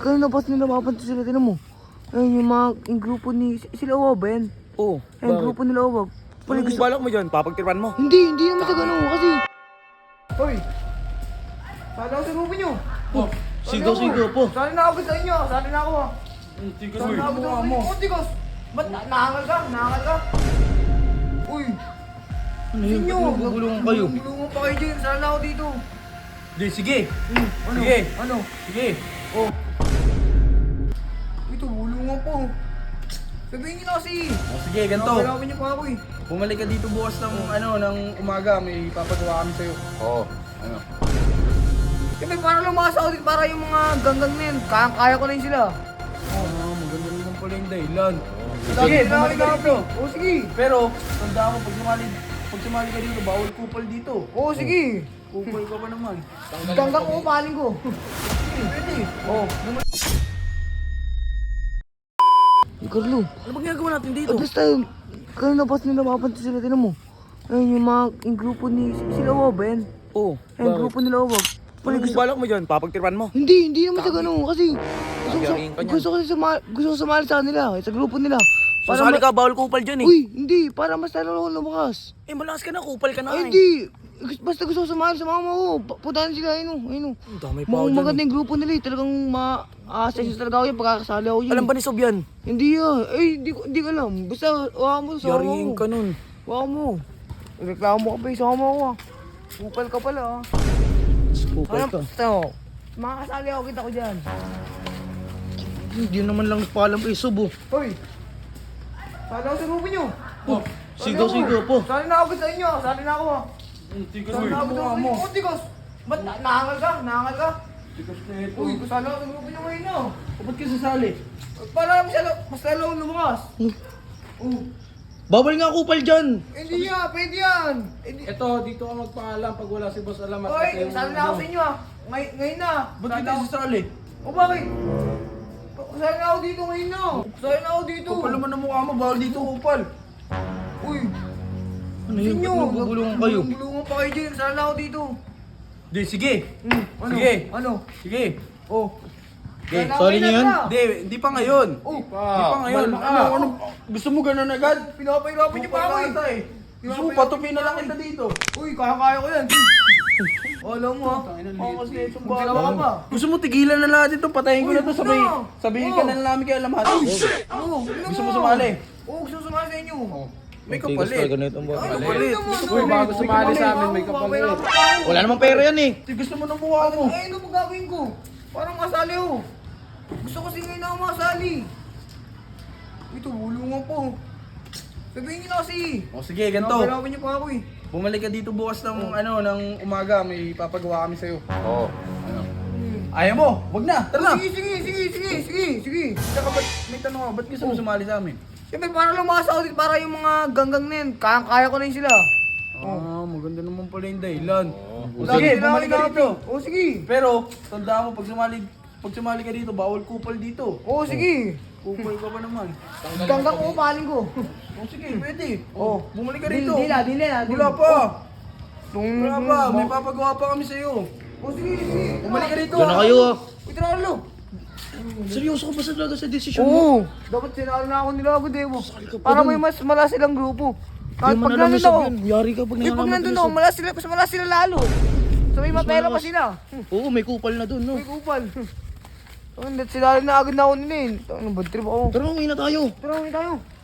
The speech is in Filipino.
kanina pas nila mapansin sila, tinan mo. Ayun yung mga, yung grupo ni, sila Owag ba yan? Oo. Ayun, yung grupo nila Owag. Anong balak mo dyan? Papagtirpan mo? Hindi naman sa ganun kasi. Hoy! Sali ako sa grupo nyo. Oh, sigaw po. Sali na ako sa inyo, sali na ako ha. Tigas Sali na ako sa inyo. Oh, Tigos! Ba't naangal ka? Naangal ka? Uy! Ano yun? Inyo! Ba't nagugulungan kayo? Nagugulungan pa kayo dyan, sali na ako dito. Di, sige. Ano? Sige. Ano? Sige. Oh. Ito, bulungan po. Sabihin nyo na kasi. O sige, ganito. Nakakalaman niyo pa ako eh. Bumalik ka dito bukas ng ng umaga, may papagawa kami sa'yo. Oo. Ano? Siyempre, para lumakas ako dito, para yung mga ganggang na yun, kaya ko na yun sila. Maganda rin naman pala yung dahilan. Sige, Sige, bumalik ka dito. Oo, sige. Pero, tandaan mo, pag sumali ka dito, bawal kupal dito. Oo, sige. Kupal ka pa naman. Ganggang ko, paling ko. Pwede. Oo. Carlo, Ano bang ginagawa natin dito? basta kanina pas nila mapansin sila, tinan mo. Ayun yung mga, yung grupo ni, sila Owag ba yan? Oo. Ayun, yung grupo nila Owag. Anong balak mo dyan? Papagtirpan mo? Hindi naman sa ganun kasi Gagawin ka niyan. gusto ko sumali sa kanila, sa grupo nila. Sasali ka, bawal kupal dyan eh. Uy, hindi, para mas lalo ako lumakas. Eh, malakas ka na, kupal ka na Ay, eh. hindi. Basta gusto ko sumali sa mama ko. Puntahan sila, ayun. Ang dami pa ako dyan. Maganda yung grupo nila eh. Talagang ma-assess talaga ako yun pagkakasali ako yun. Alam ba ni Sob yan? Hindi hindi ko alam. Basta, waka mo sa Yariin ka nun. Waka mo. Reklamo ka pa eh, sama ko ah. Kupal ka pala ah. Kupal ka. Basta, makakasali ako, kita ko dyan. Hindi naman lang nagpaalam kay Sob oh. Hoy! Sali ako sa grupo nyo. Oh, sigaw po. Sali na ako sa inyo, sali na ako ah. Tigas Sali na ako sa grupo nyo. Oh, Tigos! Ba't naangal ka? Naangal ka? Tigas na ito. Uy, sali ako sa grupo nyo ngayon ah. Ba't ka sasali? Para mas lalo akong lumakas. Oh. Bawal nga kupal dyan. Hindi yan, pwede yan. Ito, dito ka magpaalam pag wala si Boss Alamat. Hoy, sali na ako sa inyo ah. Ngayon na. Ba't Sali kita ako- sasali? O bakit? Sali na ako dito ngayon na. Sali na ako dito. Kupal naman ang mukha mo, bawal dito kupal. Uy, Ano yun? Ba't nagugulungan kayo? Nagugulungan pa kayo dyan. Sali na ako dito. Di, sige. Ano? Sige. Ano? Sige. Oh. Okay, Sali na ako sorry ngayon niyo yun? na. Hindi pa ngayon. Oh. Hindi pa ngayon. Malma ka. Ano? Gusto mo ganun agad? Pinapahirapan niyo pa ako eh. Gusto mo patupin na lang kita dito. Uy, kaya ko yan. Alam mo ha. Ako kasi itong bala ka pa. Gusto mo tigilan na lahat ito, patayin ko Uy, na to, huwag na. sabihin ka Oh. na lang namin kay Alamat. Oo, Gusto mo sumali? Oo, gusto sumali sa inyo. May kapalit. Ano Kapalit. naman? Uy, bago sumali sa amin, may kapalit. Wala namang pera yan eh. Gusto mo ng mukha mo. Eh, ano magagawin ko? Parang masali oh. Gusto ko kasi ngayon ako masali. Ito, bulungan po. Sabihin niyo na kasi. O sige, ganito. Nakakalaman niyo pa ako eh. Bumalik ka dito bukas ng ng umaga, may papagawa kami sa'yo. Oo. Ano? Ayaw mo? Wag na, tara na. Sige. Tsaka ba't, may tanong ako, ba't gusto mo sumali sa amin? Siyempre, para lumakas ako dito, para yung mga ganggang na yun, kaya ko na yun sila. Maganda naman pala yung dahilan. Lagi Sige, sila bumalik ka ako dito. Oo, sige. Pero, tandaan mo, pag sumali ka dito, bawal kupal dito. Oo, sige. Kupal ka pa naman. Ganggang ko, paling ko. Sige, pwede. Oo. Bumalik ka dito. Di na. Wala pa. Tung- Wala pa, may papagawa pa kami sa'yo. Oo, sige. Bumalik ka dito. Diyan na kayo ah. Wait, Ralo. Seryoso ka ba talaga sa desisyon mo? Oo. Dapat sinalo na ako nila ako, Devo. Para may mas mala silang grupo. Kahit Hindi mo pag na lang nandun ako. yan. Yari ka pag Pag nangalaman nandun ako, mas mala sila lalo. So may mapera pa sila. Oo, may kupal na dun, no? May kupal. Sinali na agad na ako nila eh. Ano, bad trip ako. Pero uwi na tayo. Tara, uwi tayo.